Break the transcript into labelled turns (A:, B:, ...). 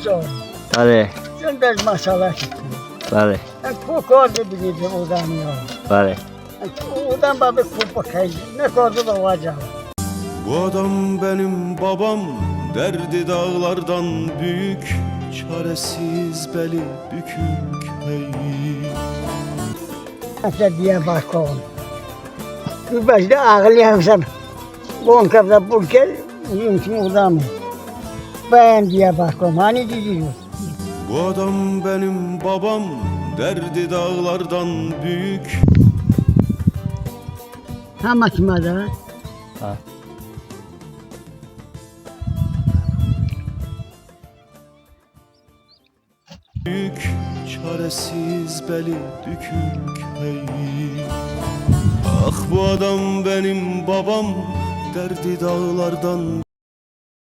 A: zor.
B: Tabii,
A: Sen de maşallah gittin.
B: tabii,
A: Kokardı bilirdi odan ya.
B: tabii.
A: Odan babı kopakaydı. Ne kadar da olacak.
C: Bu adam benim babam, derdi dağlardan büyük, çaresiz beli bükük hey.
A: Hatta diye bakalım. Bir başta ağlayamsam. Bonkabda burker, yumuşum odan mı? Ben diye bakalım. Hani diyor.
C: Bu adam benim babam, derdi dağlardan büyük.
A: Ha maçmada.
B: Ha.
C: Büyük, çaresiz beli bükük hey. Ah bu adam benim babam, derdi dağlardan